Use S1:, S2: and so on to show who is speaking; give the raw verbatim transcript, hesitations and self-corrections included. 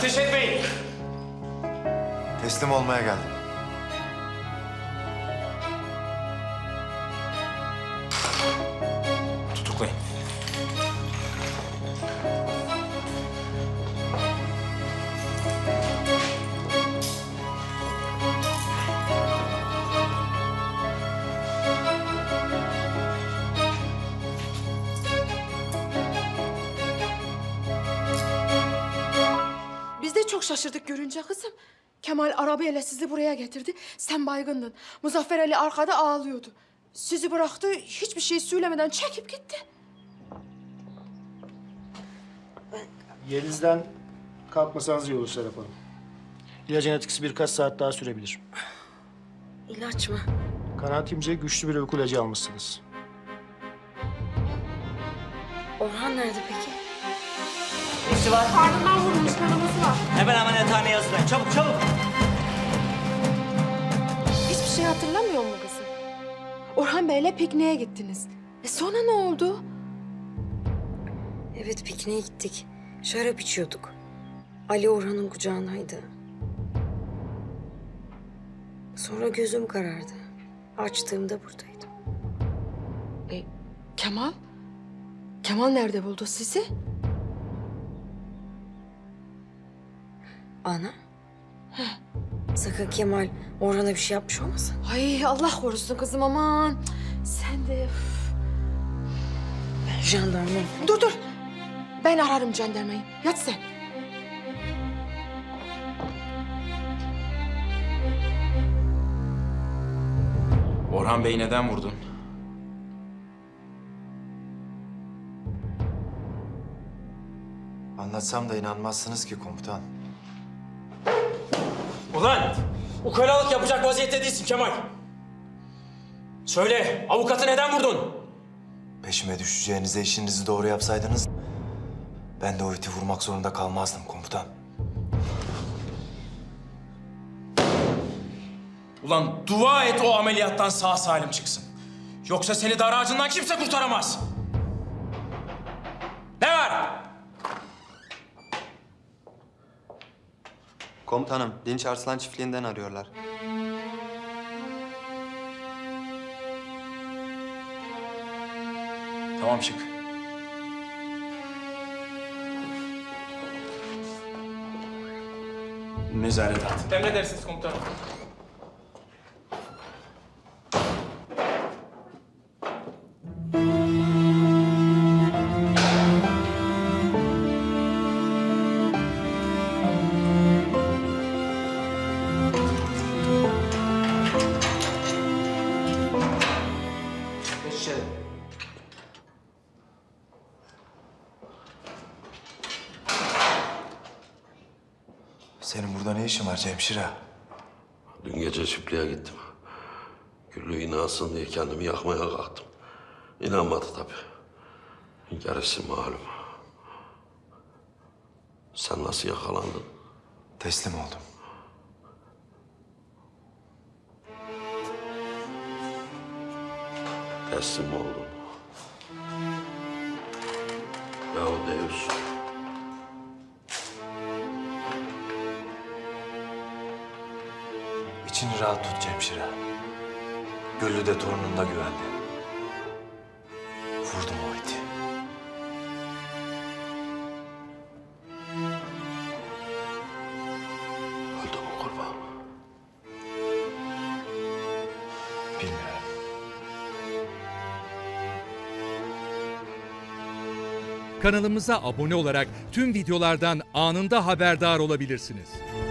S1: Ateş etmeyin.
S2: Teslim olmaya geldim.
S1: Tutuklayın.
S3: Biz de çok şaşırdık görünce kızım. Kemal arabayla sizi buraya getirdi. Sen baygındın. Muzaffer Ali arkada ağlıyordu. Sizi bıraktı, hiçbir şey söylemeden çekip gitti.
S4: Yerinizden kalkmasanız iyi olur Serap Hanım. İlacın etkisi birkaç saat daha sürebilir.
S5: İlaç mı?
S4: Kanaatimce güçlü bir uyku ilacı almışsınız.
S5: Orhan nerede peki?
S6: Nesi var?
S3: Karnından vurulmuş, kanaması var.
S6: Hemen ameliyathaneye hazırlayın. Çabuk çabuk.
S3: Hiçbir şey hatırlamıyor mu kızım? Orhan Bey'le pikniğe gittiniz. E sonra ne oldu?
S5: Evet, pikniğe gittik. Şarap içiyorduk. Ali Orhan'ın kucağındaydı. Sonra gözüm karardı. Açtığımda buradaydım.
S3: E, Kemal? Kemal nerede buldu sizi?
S5: Ana? Sakın Kemal Orhan'a bir şey yapmış olmasın?
S3: Ay Allah korusun kızım aman. Sen de...
S5: Ben jandarma.
S3: Dur dur. Ben ararım jandarmayı. Yat sen.
S1: Orhan Bey'i neden vurdun?
S2: Anlatsam da inanmazsınız ki komutan.
S7: Ulan! Ukalalık yapacak vaziyette değilsin Kemal. Söyle, avukatı neden vurdun?
S2: Peşime düşeceğinize işinizi doğru yapsaydınız... ben de o iti vurmak zorunda kalmazdım komutan.
S7: Ulan dua et o ameliyattan sağ salim çıksın. Yoksa seni dar ağacından kimse kurtaramaz. Ne var?
S8: Komutanım, Dinç Arslan çiftliğinden arıyorlar.
S7: Tamam, çık. Nezaret at.
S1: Emredersiniz komutanım. Geç içeri.
S2: Senin burada ne işin var Cemşire?
S9: Dün gece çiftliğe gittim. Güllü inansın diye kendimi yakmaya kalktım. İnanmadı tabii. Gerisi malum. Sen nasıl yakalandın?
S2: Teslim oldum.
S9: Teslim oldun. Yahu Deus.
S2: İçini rahat tut Cemşire. Güllü de torunun da güvende. Vurdum o iti.
S9: Öldü mü kurban?
S2: Bilmiyorum.
S10: Kanalımıza abone olarak tüm videolardan anında haberdar olabilirsiniz.